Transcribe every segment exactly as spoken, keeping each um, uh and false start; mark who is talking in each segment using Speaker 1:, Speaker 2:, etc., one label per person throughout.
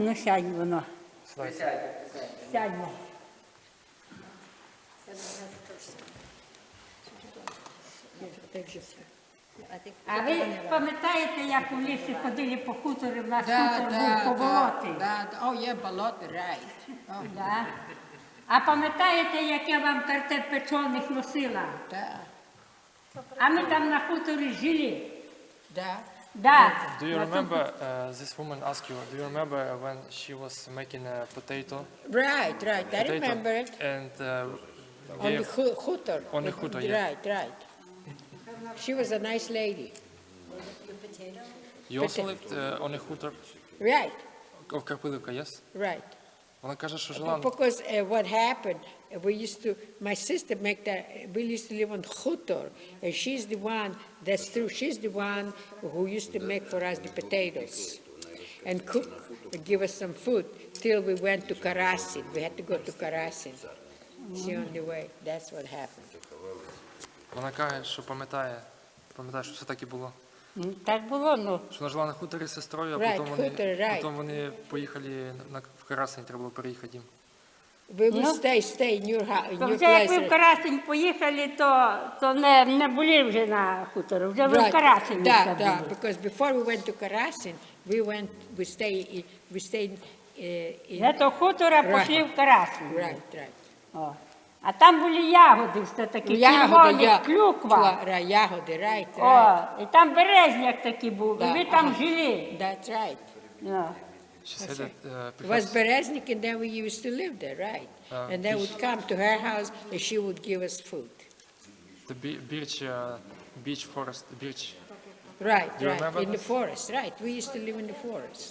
Speaker 1: ну сядь воно.
Speaker 2: Сідайте.
Speaker 1: Сядь воно. А ви пам'ятаєте, як у лісі ходили по хуторі, в нас хутор був по болоті?
Speaker 3: Да, да. Oh, yeah, болото, right. Oh,
Speaker 1: Да. А пам'ятаєте, як я вам картеп печених носила?
Speaker 3: да,
Speaker 1: А ми там на хуторі жили.
Speaker 3: да.
Speaker 1: Да.
Speaker 2: Do you
Speaker 1: На тому-
Speaker 2: remember, uh, this woman asked you, do you remember when she was making a potato?
Speaker 3: Right, right. I
Speaker 2: potato
Speaker 3: remember it.
Speaker 2: And uh,
Speaker 3: On the
Speaker 2: gave,
Speaker 3: hu- hutter.
Speaker 2: On the hutter, yeah.
Speaker 3: Right, right. She was a nice lady.
Speaker 2: you also lived uh, on a hutor
Speaker 3: Right,
Speaker 2: of Karpilivka, yes?
Speaker 3: right.
Speaker 2: Вона каже, що жила...
Speaker 3: Because uh, what happened, uh, we used to, my sister make that, we used to live on Hutor, and she's the one, that's true, she's the one who used to make for us the potatoes and cook and give us some food till we went to Karasin. We had to go to Karasin. She on the way. That's what happened.
Speaker 2: Вона каже, що пам'ятає, пам'ятає, що все так і було.
Speaker 1: Ну, так було, ну.
Speaker 2: Що вона жила на хуторі з сестрою, а
Speaker 3: Right,
Speaker 2: потім, вони,
Speaker 3: хутор, right.
Speaker 2: потім вони поїхали на, в Карасень, треба було переїхати їм.
Speaker 3: We would
Speaker 1: No.
Speaker 3: stay, stay in your house, in
Speaker 1: То
Speaker 3: your
Speaker 1: вже як ви в
Speaker 3: place.
Speaker 1: Карасень поїхали, то, то не, не були вже на хуторі, вже ви в Карасені
Speaker 3: да,
Speaker 1: вже
Speaker 3: да,
Speaker 1: були.
Speaker 3: because before we went to Karasin, we went, we stayed, in- we stayed uh, in,
Speaker 1: З того хутора
Speaker 3: Right.
Speaker 1: пішли в Карасень.
Speaker 3: right, right.
Speaker 1: О. А там були ягоди, все такі червоні,
Speaker 3: я-
Speaker 1: клюква.
Speaker 3: Кла- ра- ягоди, right, right.
Speaker 1: О, і там березняк такий був,
Speaker 3: Да,
Speaker 1: і ви там
Speaker 3: ага.
Speaker 1: жили.
Speaker 3: That's right.
Speaker 1: О.
Speaker 2: She said that, uh,
Speaker 3: It was
Speaker 2: perhaps,
Speaker 3: Bereznik, and then we used to live there, right?
Speaker 2: Uh,
Speaker 3: And they
Speaker 2: this-
Speaker 3: would come to her house, and she would give us food.
Speaker 2: the be- beach, uh, beach forest, beach.
Speaker 3: Right,
Speaker 2: Do you
Speaker 3: right,
Speaker 2: remember
Speaker 3: in the
Speaker 2: this?
Speaker 3: forest, right. We used to live in the forest.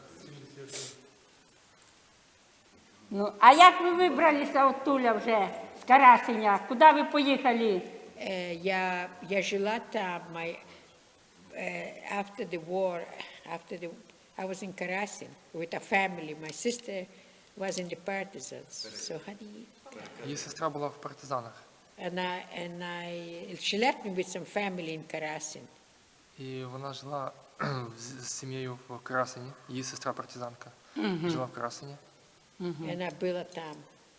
Speaker 1: Ну, а як ви вибралися оттуля вже, з Карасеня? Куди ви поїхали?
Speaker 3: Uh, я, я жила там, my, uh, after the war, after the, I was in Karasin with a family. My sister was in the partisans. So how do you,
Speaker 2: Її сестра була в партизанах.
Speaker 3: and I, and I, she left me with some family in Karasin.
Speaker 2: І вона жила з, з сім'єю в Карасені. Її сестра партизанка жила в Карасені.
Speaker 3: And I built там.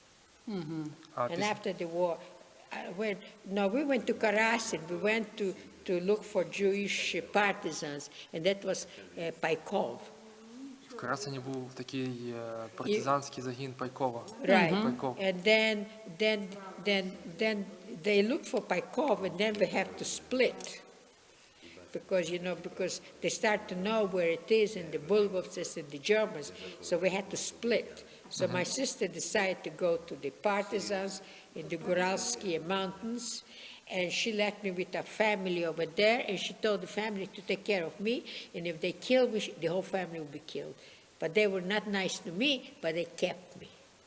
Speaker 2: А
Speaker 3: And
Speaker 2: після,
Speaker 3: after the war, I went, no, we went to Karasin. We went to, to look for Jewish partisans, and that was uh, Paikov.
Speaker 2: в Карасені був такий е, партизанський загін Пайкова.
Speaker 3: Right.
Speaker 2: Пайков.
Speaker 3: And then, then, then, then they look for Paikov, and then we have to split. Because, you know, because they start to know where it is, and the Bulgovцы and the Germans, so we had to split. So my sister decided to go to the partisans in the Goralsky Mountains, and she left me with a family over there, and she told the family to take care of me, and if they kill me, the whole family will be killed. But they were not nice to me, but they kept me.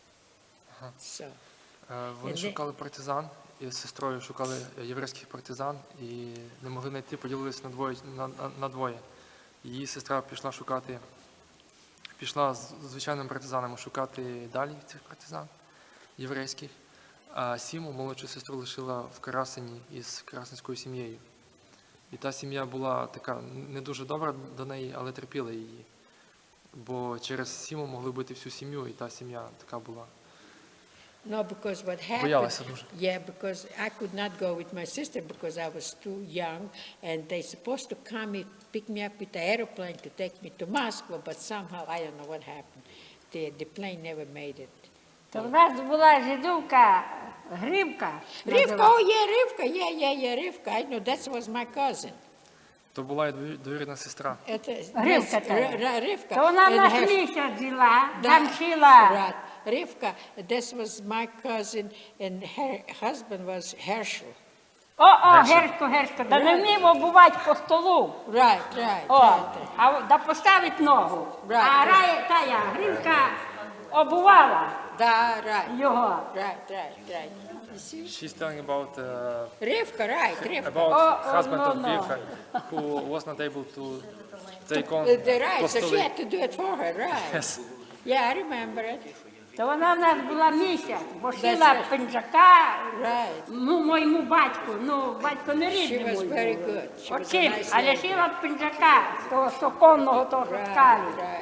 Speaker 3: So,
Speaker 2: Е, Вони
Speaker 3: І де-
Speaker 2: шукали партизан, і з сестрою шукали єврейських партизан, і не могли знайти, поділилися на двоє. На, на, на двоє. Її сестра пішла шукати, пішла з звичайними партизанами шукати далі цих партизан єврейських, а Сіму, молодшу сестру, лишила в Карасені із карасинською сім'єю. І та сім'я була така не дуже добра до неї, але терпіла її. Бо через Сіму могли бити всю сім'ю, і та сім'я така була.
Speaker 3: no, because what happened,
Speaker 2: Боялася дуже.
Speaker 3: yeah, because I could not go with my sister because I was too young, and they supposed to come and pick me up with the airplane to take me to Moscow, but somehow, I don't know what happened. The, the plane never made it.
Speaker 1: То в нас була жидовка Грибка.
Speaker 3: Rivka,
Speaker 1: називалась.
Speaker 3: oh yeah, Rivka, yeah, yeah, yeah, Rivka, I know, that was my cousin.
Speaker 2: То була і двоюрідна двоюрідна сестра.
Speaker 3: Это,
Speaker 1: Ривка
Speaker 3: yes,
Speaker 1: та.
Speaker 3: Ri- Ri- Rivka.
Speaker 1: То вона в
Speaker 3: and
Speaker 1: нас
Speaker 3: her-
Speaker 1: місяць жила,
Speaker 3: Да,
Speaker 1: там шила.
Speaker 3: Right, Rivka, this was my cousin, and her husband was Herschel.
Speaker 1: О, о, Гершко, Гершко, да не вмів обувати по столу.
Speaker 3: Right, right,
Speaker 1: О,
Speaker 3: right.
Speaker 1: а да поставить ногу.
Speaker 3: Right,
Speaker 1: А
Speaker 3: right.
Speaker 1: рая тая Грибка обувала
Speaker 3: Да, right,
Speaker 1: його.
Speaker 3: right, right, right. You see?
Speaker 2: She's telling about uh,
Speaker 3: Rivka, right, Rivka.
Speaker 2: about
Speaker 1: Oh, oh,
Speaker 2: husband
Speaker 1: no,
Speaker 2: of
Speaker 1: no.
Speaker 2: Birka who was not able to take on
Speaker 3: Uh, the right, so she
Speaker 2: Apostolic.
Speaker 3: had to do it for her, right?
Speaker 2: Yes.
Speaker 3: Yeah, I remember it.
Speaker 1: То вона в нас була місяць, бо
Speaker 3: That's
Speaker 1: шила
Speaker 3: right.
Speaker 1: пинджака,
Speaker 3: Right.
Speaker 1: ну, моєму батьку, ну, батько не рідний
Speaker 3: She was
Speaker 1: мій
Speaker 3: very
Speaker 1: був.
Speaker 3: good. She was a
Speaker 1: Оцим,
Speaker 3: nice
Speaker 1: але
Speaker 3: lady.
Speaker 1: шила пинджака, того соконного, того
Speaker 3: Right,
Speaker 1: шкалі.
Speaker 3: right, right.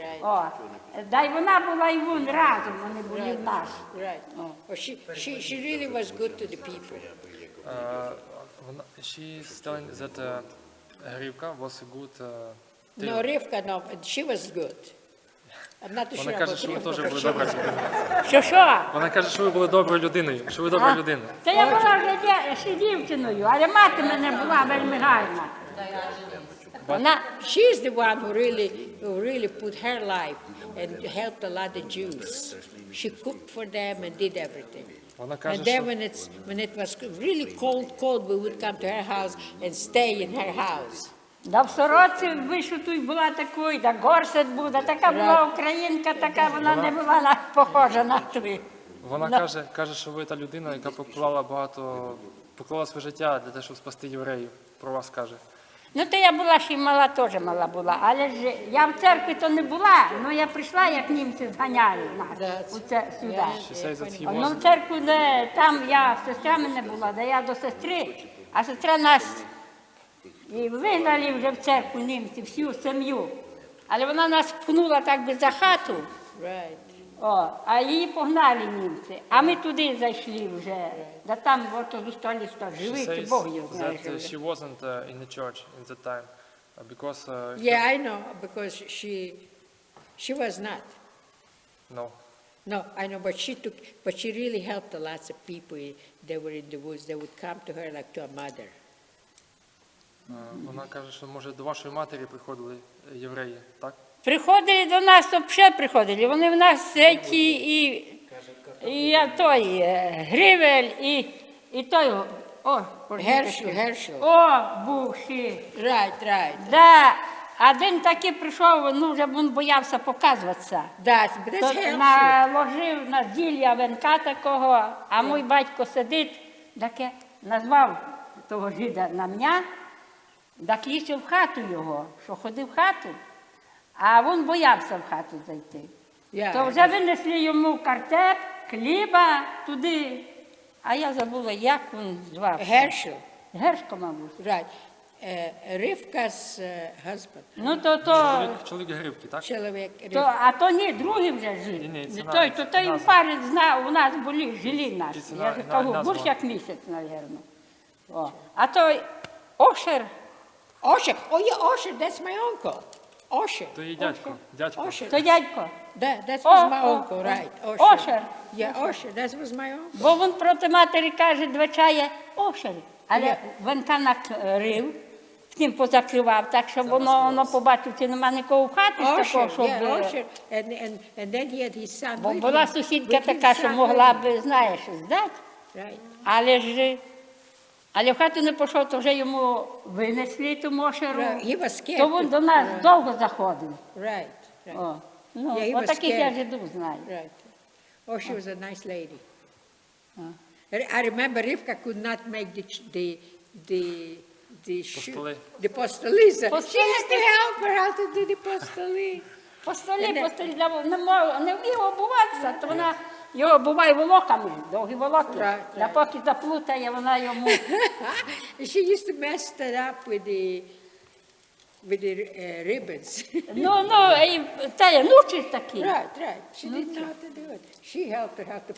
Speaker 3: right.
Speaker 1: О, дай вона була і він разом, вони були в нас.
Speaker 3: Right. Oh, she, she, she really was good to the people.
Speaker 2: Uh, вона- she is telling that uh, Rivka was a good uh,
Speaker 3: No,
Speaker 2: tailor.
Speaker 3: Rivka, no, she was good. I'm not too sure
Speaker 2: Вона
Speaker 3: about
Speaker 2: каже, що ви
Speaker 3: Rivka,
Speaker 2: теж
Speaker 3: but
Speaker 2: були
Speaker 3: she
Speaker 2: добра
Speaker 3: was good.
Speaker 2: людина.
Speaker 1: Що що?
Speaker 2: Вона каже, що ви були доброю людиною, що ви добра людина.
Speaker 1: Та я була вже дє- ще дівчиною, але мати мене була вельми гарна. Вона,
Speaker 3: She's the one who really, who really put her life and helped a lot of Jews. She cooked for them and did everything.
Speaker 2: Вона каже,
Speaker 3: And then
Speaker 2: що
Speaker 3: when it's when it was really cold, cold, we would come to her house and stay in her house.
Speaker 1: да в сороці вишиту була такою, да горсет був, да така була українка, така вона не була на- похожа на ту.
Speaker 2: вона
Speaker 1: Ну.
Speaker 2: каже, каже, що ви та людина, яка поклала багато, поклала своє життя для того, щоб спасти євреїв. Про вас каже.
Speaker 1: Ну, то я була ще й мала, теж мала була, але ж я в церкві то не була, але я прийшла, як німці зганяли нас
Speaker 3: That's-
Speaker 1: у це, сюди.
Speaker 2: She says that he
Speaker 1: Ну,
Speaker 2: was
Speaker 1: в церкву, де там я, сестра мене була, де я до сестри, а сестра нас і вигнали вже в церкву німці, всю сім'ю. Але вона нас пхнула так би за хату,
Speaker 3: Right.
Speaker 1: о, а її погнали німці. А ми туди зайшли вже. Да там от у столі сто
Speaker 2: She
Speaker 1: живий,
Speaker 2: says
Speaker 1: Бог його знає.
Speaker 2: that uh, she wasn't uh, in the church in that time uh, because uh,
Speaker 3: Yeah, I know because she, she was not.
Speaker 2: no.
Speaker 3: No, I know, but she took, but she really helped a lots of people. They were in the woods. They would come to her like to a mother.
Speaker 2: Uh, Вона каже, що може до вашої матері приходили е, євреї, так?
Speaker 1: Приходили до нас, то ще приходили. Вони в нас ті і, і я той е, Гривель, і, і той, о, Боже,
Speaker 3: Гершел,
Speaker 1: який.
Speaker 3: Гершел.
Speaker 1: О, був ще.
Speaker 3: Right, right.
Speaker 1: Да. Один таки прийшов, ну вже він боявся показуватися.
Speaker 3: That's, but that's
Speaker 1: То
Speaker 3: helpful.
Speaker 1: наложив на зілля венка такого, а мій батько сидить, таке назвав того жида на мене, так лізь в хату його, що ходив в хату, а він боявся в хату зайти.
Speaker 3: Yeah,
Speaker 1: То вже винесли йому картеп, хліба туди, а я забула, як він звався.
Speaker 3: Herschel.
Speaker 1: Гершко, мабуть.
Speaker 3: Right. Uh, Rivka's uh, husband.
Speaker 1: Ну, то, то,
Speaker 2: Чоловік, чоловік Гривки, так?
Speaker 3: Чоловік
Speaker 1: то,
Speaker 3: Рив-
Speaker 1: а то ні, другий вже жив.
Speaker 2: Ні, ні, це
Speaker 1: Не
Speaker 2: на-
Speaker 1: той, то той
Speaker 2: назва.
Speaker 1: пари знав, у нас були, жили нас.
Speaker 2: Це
Speaker 1: Я
Speaker 2: на-
Speaker 1: ж
Speaker 2: на-
Speaker 1: кажу,
Speaker 2: назва.
Speaker 1: більше як місяць, мабуть. О. А той Ошер,
Speaker 3: Osher. Oh, yeah, Osher. That's my uncle. Osher.
Speaker 2: То її дядько, дядько.
Speaker 3: Osher.
Speaker 1: то дядько.
Speaker 3: That, that
Speaker 1: О,
Speaker 3: was my
Speaker 1: о,
Speaker 3: uncle,
Speaker 1: о.
Speaker 3: right? Osher.
Speaker 1: Osher.
Speaker 3: Yeah, Osher. That was my uncle.
Speaker 1: Бо він проти матері каже, двачає Ошер. Але венка накрив, втім позакривав, так що воно, воно побачив, чи нема нікого в хаті з такого,
Speaker 3: Osher,
Speaker 1: щоб...
Speaker 3: yeah,
Speaker 1: е,
Speaker 3: Osher. And, and, and then he had his son
Speaker 1: Бо
Speaker 3: with
Speaker 1: була
Speaker 3: him.
Speaker 1: сусідка
Speaker 3: With his
Speaker 1: така, що
Speaker 3: son
Speaker 1: могла
Speaker 3: with
Speaker 1: б, знаєш, здати.
Speaker 3: him. Right.
Speaker 1: Але ж, але в хату не пішов, то вже йому винесли ту мошеру.
Speaker 3: Right. He was scared.
Speaker 1: То він
Speaker 3: to-
Speaker 1: до нас
Speaker 3: Right.
Speaker 1: довго заходив.
Speaker 3: Right. Right.
Speaker 1: О, ну,
Speaker 3: Yeah, he was
Speaker 1: отаких я
Speaker 3: scared.
Speaker 1: жидів знаю.
Speaker 3: Right. Oh, she was a nice lady. I I remember Rivka could not make the ch- the the the shoe-
Speaker 2: Postoli.
Speaker 3: the postolisa. She
Speaker 1: Postoli.
Speaker 3: has to help her how to do the postoli.
Speaker 1: По столі,
Speaker 3: Не-
Speaker 1: по столі, для- не, мог- не вмів обуватися, то вона його обуває волоками, довгі волоки.
Speaker 3: Right,
Speaker 1: Да
Speaker 3: right.
Speaker 1: поки заплутає, вона йому...
Speaker 3: She used to mess that up with the with the uh, ribbons.
Speaker 1: Ну, ну, і та я нучить такі.
Speaker 3: Right, right. She didn't know how to do it. She helped her how to.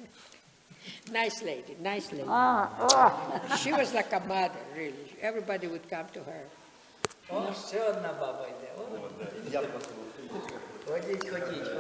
Speaker 3: Nice lady, nice lady.
Speaker 1: А, о.
Speaker 3: She was like a mother, really. Everybody would come to her.
Speaker 4: О, ще одна баба йде. О. Ходіть, ходіть.